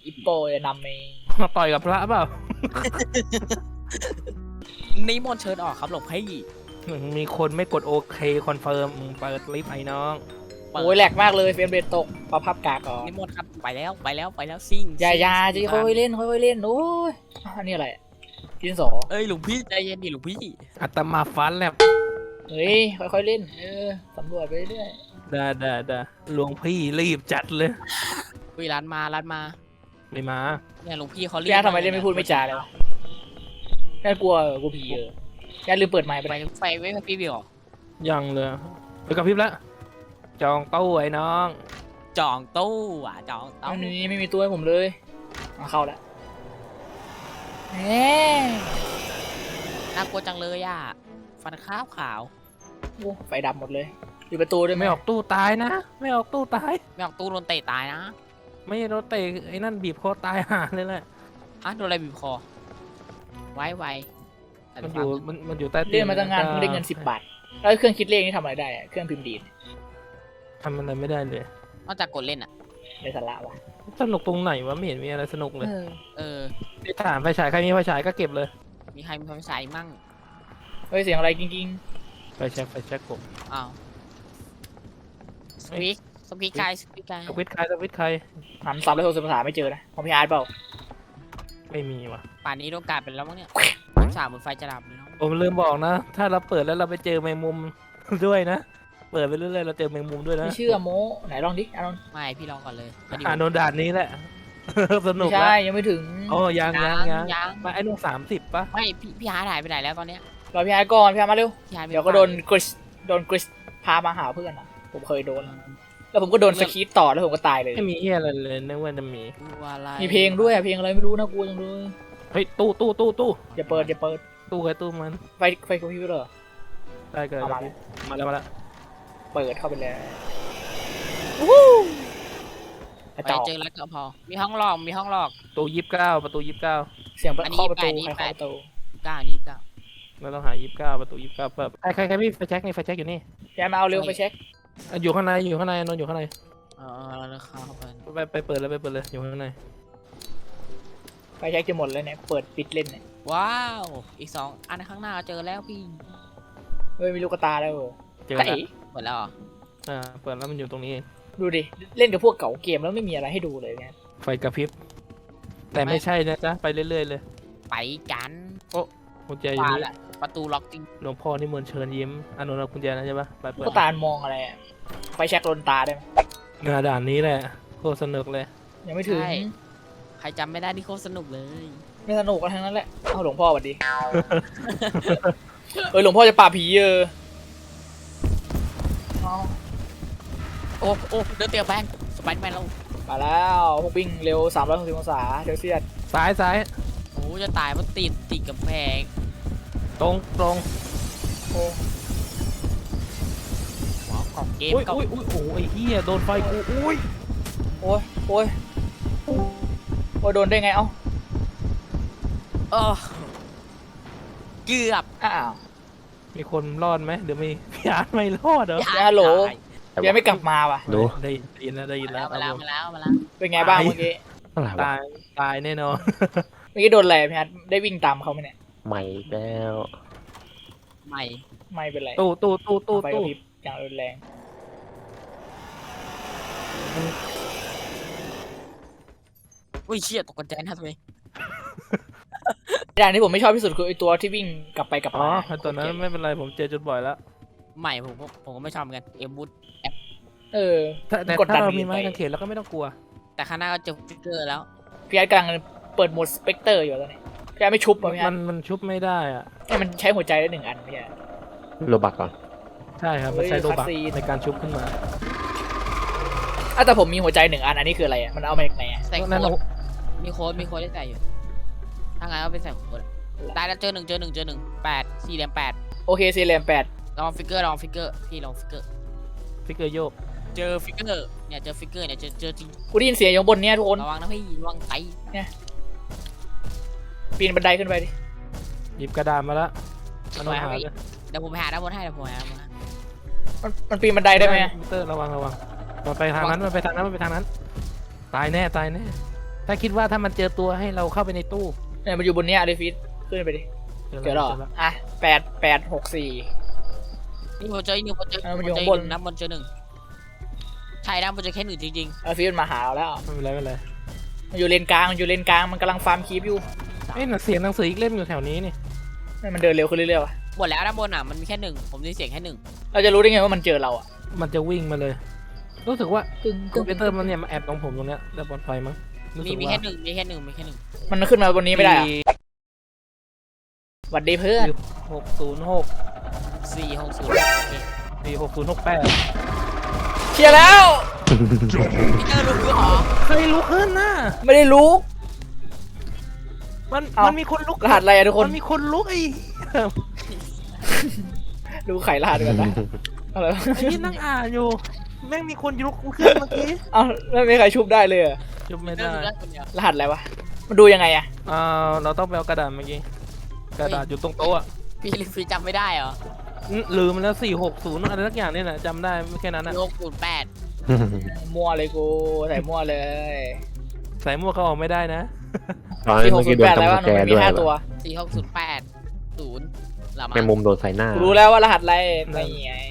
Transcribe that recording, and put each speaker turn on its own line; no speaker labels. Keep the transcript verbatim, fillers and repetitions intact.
อิปโปจะนำเอง
มาต่อยกับพระเปล่า
นิมนต์เชิญออกครับหลวงพี่
มีคนไม่กดโอเคคอนเฟิร์มเปิดลิฟต์ไอ้น้อง
โอ้ยแหลกมากเลยเฟรมเรทตกปรับภาพกากก่อน
นิมนต์ครับไปแล้วไปแล้วไปแล้วซิ่ง
อย่าอย่า
ซิ่ง
จะค่อยๆเล่นค่อยๆเล่นโอ้ยอันนี้อะไรดินสอ
เอ้ยหลวงพี่ใจเย็นดิหลวงพี่
อัตมาฟันแลบ
เฮ้ยค่อยๆเล่นเออสำรวจไปเรื่อย
ด่าด่าด่าหลวงพี่รีบจัดเลย
วิร้านมาร้านมา
ไม่มา
เนี่ยหลวงพี่เขาเรี
พี่อาร์ตทำไมเล่นไม่พูดไม่จาเลยวะแค่กลัวกูผีเออแค่ลืมเปิดไมค์ไป
ไปไฟไว้กับพี่บิว
ยังเลยไปกับพริบแล้วจองตู้ไอ้น้อง
จองตู้อ่ะจองตู้
ไม่มีไม่มีตัวให้ผมเลยมาเข้าแล้วแหม
น่ากลัวจังเลยอ่ะฟันขาวขาว
โอ้ไฟดับหมดเลยปิดประตูด้วยไหม
ไม่ออกตู้ตายนะ ไม่ออกตู้ตาย
ไม่ออกตู้โดนเตะตายนะ
ไม่รถเตะไอ้นั่นบีบคอตายห่าเลยแหละ
อ่ะโดนอะไรบีบคอไว้ไว้
มันอยู่มันมันอยู่ใต้ตี
เล่นมาตั้งงานเพิ่งได้เงินสิบบาทแล้วเครื่องคิดเลขนี่ทำอะไรได้อะเครื่องพิมพ์ดีด
ทำอะไรไม่ได้เลย
นอกจากกดเล่นอ่ะ
ในสาระวะ
สนุกตรงไหนวะไม่เห็นมีอะไรสนุกเลย
เออ
เออ
ไปถามไฟฉายใครมีไฟฉายก็เก็บเลย
มีใครมีไฟฉายมั่ง
เฮ้ยเสียงอะไรกิ้ง
ไฟแช็กไฟแช็กผม
อ้าวสปีกสปีกไกสปีกไก
สวิตช์ใครสวิตช์ใคร
ๆหันซับแล้วโทรศัพท์ภาษาไม่เจอนะของพี่อาร์ตเปล่า
ไม่มีว่ะ
ป่านนี้โดนกาดไปแล้วมั้งเนี่ยสามบนไฟจะดับเลยเนาะ
ผมลืมบอกนะ ถ้าเราเปิดแล้วเราไปเจอแมงมุม ด้วยนะ เปิดไปเรื่อยๆเราเจอแมงมุมด้วยนะ
ไม่เชื่อโมไหนลองดิอานนท์
ไม่พี่ลองก่อนเลย
อ่านโดนด่านนี้แหละ สนุ
ไม่
ก
ใช่
ละ
ยังไม่ถึง
โอ้ยังยังยัง
ยัง
มาไอ้นุ่งสามสิบปะ
ไม่พี่พี่หาหายไปไหนแล้วตอนเนี้ย
รอพี่อาร์ตก่อนพี่อาร์ตมาเร็ว
พี่หาไม่
เดี๋ยวก็โดนกริสโดนกริสพามาหาเพื่อนอ่ะผมเคยโดน แล้วผมก็โดนสคีตต่อแล้วผมก็ตายเลย
ไม่มีเฮียอะไรเลยนึกว่าจะมี
ตัวอะไร
มีเพลงด้วยอะเพลงอะไรไม่รู้นะกลัวจังเลย
เฮ้ยตู้ตู้ตู้ตู้
อย่าเปิดอย่าเปิด
ตู้ใครตู้มัน
ไฟไฟคอมพิวเตอร์
ได้เกิด
เอามา
มาแล้วมาแล้ว
เปิดเข้าไปเลยวู้กระ
ไป
จอก
เจอแล้วก็พอ มีห้องหลอกมีห้องหลอก
ตู้ยี่สิบเก้าประตูยี่สิบเก้า
เสียง
อันนี้
เคาะประตู
แปดนี่
ใคร
แป
เคาะ
ด
ประตู
เก้านี่เก้า
เราต้องหายี่สิบเก้าประตูยี่สิบเก้าเปิดใครใครใครพี่ไฟแช็กนี่ไฟแช็กอยู่นี่
พี่อาร์ตมาเอาเร็วไปเช็ค
อ่ะอยู่ข้างในอยู่ข้างในนอนอยู่ข้างใน
เออแล้วเข้าไป
ไปไปเปิดเลยไปเปิดเลยอยู่ข้างใน
ไฟเช็คจะหมดเลยเนี่ยเปิดปิดเล่นเนี่ย
ว้าวอีกสองอันข้างหน้าเจอแล้วพี่
เฮ้ยมีลูกกระตาแล้ว
เจอ
ไก่
แล้ว
หมดแล้วเหรอ
อ่าเปิดแล้วมันอยู่ตรงนี้เอง
ดูดิเล่นกับพวกเก่าเกมแล้วไม่มีอะไรให้ดูเลยเนี่ย
ไฟกระพริบแต่ไม่ใช่นะจ๊ะไปเรื่อยๆเลย
ไปกัน
กุญแจอยู่
ว่า
นี่
ละประตูล็อกจริง
หลวงพ่อนี่มนต์เชิญยิ้มอนุรักษ์กุญแจนะใช่ปะไป
ลู
เปิ
ก
ด
กระตามองอะไรอะไฟเช็คโดนตาได้ไหม
งานด่านนี้แหละโคตรสนุกเลย
ยังไม่ถึง
ใครจำไม่ได้ที่โคตรสนุกเลย
ไม่สนุกกันทั้งนั้นแหละเอาหลวงพ่อสวัสดี เออหลวงพ่อจะปราบผีเออเอา
โอ้โอ้เดินเตียแบงสไปเดอร์แมนเรา
มาแล้วพวกวิ่งเร็วสามร้อยหกสิบองศาเดี๋ยวเสียด
ซ้ายซ้าย
โอ้จะตายเพราะติดติดกับแพง
ตรงตรง
โอ้
หัวของเกม
อุ้ย
ก็
อุ้ยอุ้ยโอ้ยเฮียโดนไฟกูอุ้ย
โอ้ยโอ้ยโอ้ยโดนได้ไงเอ้า
เออเกือบ
อ้าว
มีคนรอดไหมเดี๋ยวมีพี่อาร์ตไม่รอดเหรอ
อย่าฮัลโหล ยังไม่กลับมาว่ะ
ดู
ได้ยินแล้วได้ยิน
มา
แล้
แล้ว วมาแล้วมาแล้วมาแล้ว
เป็นไงบ้างเมื่อกี้
อะไรวะ
ตายตายแน่นอน
เมื่อกี้โดนอะไรพี่ฮัทได้วิ่งตามเขาไหมเนี่ย
ใหม่อีกแล้ว
ใหม่
ไม่เป็นไร
ตู้ตู้ตู้ตู้
ไฟกระ
ตู้
พริบอย่างรุนแรง
อุ้ยเชี่ยตกใจนะทำไม
อย่างที่ผมไม่ชอบที่สุดคือไอตัวที่วิ่งกลับไปกลับ
อ๋อ
มา
ตอนนั้นไม่เป็นไรผมเจอจนบ่อยแล้ว
ใหม่ผมก็ผมก็ไม่ชอบเหมือนกันเอ็มบูท
เออ
แต่แต่
กดดั
ถ้าน เรา
ไป
มีไม้กางเขนเราก็ไม่ต้องกลัว
แต่ข้างหน้าก็เจอฟิกเกอร์แล้ว
พี่ฮัทกำลังเปิดโหมดสเปกเตอร์อยู่ตอนนี้พี่ฮัทไม่ชุบอ่ะพี่ฮั
มั
ท
นมันชุบไม่ได้อ่ะ
เนี่ยมันใช้หัวใจได้หนึ่งอันพี่ฮัท
โรบักก่อน
ใช่ครับมันใช้
เฮ้ย
โลบัก
คัสซีน
ในการชุบขึ้นมา
อ่ะแต่ผมมีหัวใจหนึ่งอันอันนี้คืออะไรอ่ะมันเอามาจากไหนอ่ะ
ใส่โค้
นั่น
ด
เรา
มีโค้ดมีโค้ดได้ใส่อยู่ถ้างั้นก็ไปใส่โค้ดได้แล้วเจอหนึ่งเจอหนึ่งเจอหนึ่งแปดสี่เหลี่ยมแปด
โอเคซีเรียมแปด
ลองฟิกเกอร์ลองฟิกเกอร์พี่ลองฟิกเกอร์
ฟิกเกอร์โยก
เจอฟิกเกอร์เนี่ยเจอฟิกเกอร์เนี่ยเจอเจอจริง
กูได้ยินเสียงอยู่บนเนี้ยทุกคน
ระวังนะพี่ระวังไต
ปีนบันไดขึ้นไปดิ
หยิบกระดาษมาแล้วมันต้องหาเลย
เดี๋ยวผมไปหาด้านบนให้เดี๋ยวผมหาด้านบนให้
มันมันปีนบันไดได้ไหม
มิเตอร์ระวังระวังมันไปทางนั้นมันไปทางนั้นมันไปทางนั้น ตายแน่ตายแน่ถ้าคิดว่าถ้ามันเจอตัวให้เราเข้าไปในตู้
เนี่ยมันอยู่บนเนี้ยอาริฟิสขึ้นไปดิเจอหรออ่ะแปดแปดหกสี่
นี่ผมเจออีกหนึ่งผมเจอ
เออมัน
ผ
อยู่
มเจอ
ข้างบน
อีกหนึ่งนะบนเจอหนึ่งใช่นะบนเจอแค่หนึ่งจริง
อาริฟิสมันมาหาเราแล้ว
ไม่เป็นไรไม่เป็นไร
มันอยู่เลนกลางมันอยู่เลนกลางมันกำลังฟาร์มคีปอยู่
เอ้ยหนังเสียงหนังสืออีกเล่มอยู่แถวนี้นี่
เนี่ยมันเดินเร็วขึ้นเรื่อยๆวะ
ๆหมดแล้วด้านบนอ่ะมันมีแค่หนึ่งผมได้ยินเสียงแค่หนึ่ง
เราจะรู้ได้ไงว่ามันเจอเราอ่ะ
มันจะวิ่งมาเลย รู้สึกว่า
ตึง
คอมพิวเตอร์มันเนี่ยมาแอบตรงผมตรงเนี้ยแล้วบนไฟมั้งรู้
มี
สึก
มี
ว่า
แค่หนึ่งมีแค่หนึ่งมีแค่หนึ่ง
มันขึ้นมาบนนี้ไม่ได้อะหวัดดีเพื่อน
หกศูนย์หก
สี่หกศูนย์โอเค
สี่หกศูนย์หกแปด
เชียร์แล้ว
พี่เจอรู้เหรอ
เคยลุกขึ้นนะ
ไม่ได้รู้
มัน
เอ้ามั
มันมีคนลุก
รหัสอะไรอะทุกคน
มันมีคนลุกไอ้
ดูไขรหัสกันนะอะไรวะ
ไอ้ที่นั่งอ่านอยู่ แม่งมีคนลุกขึ้นเมื่อกี้
เอ้าไม่มีใครชุบได้เลยเหรอ
จุบไม่
เจอ
ได้
รู้ได้คนเดียว
รหัสอะไรวะมันดูยังไงอะ
อ่าเราต้องไปเอากระดาษเมื่อกี้กระดาษอยู่ตรงโต๊ะอะ
พี่ลิฟีจำไม่ได้เหรอ
อืมลืมมันแล้วสี่หกศูนย์อะไรสักอย่างนี่แหละจำได้ไม่แค่นั้นนะ
หกศูนย์แปด
มั่วเลยกูใส่มั่วเลย
ใส่หมวกเขาออกไม่ได้นะ
ตอนนั้
ที่
น
ห
เมื่
ก
อ
ศู
กี้
นย์
โด
แป
น
ดอะไร
จำส
วะ
แก
มัน
ร์
มี
ด้วย
ห้า
ว่ะ
ตัว
สี่หกศูนย์แปดศูนย์หรอ
แม
มั้
ง
ง
มุมโดนใส่หน้า
กูรู้แล้วว่ารหัสอะไรไม่ไง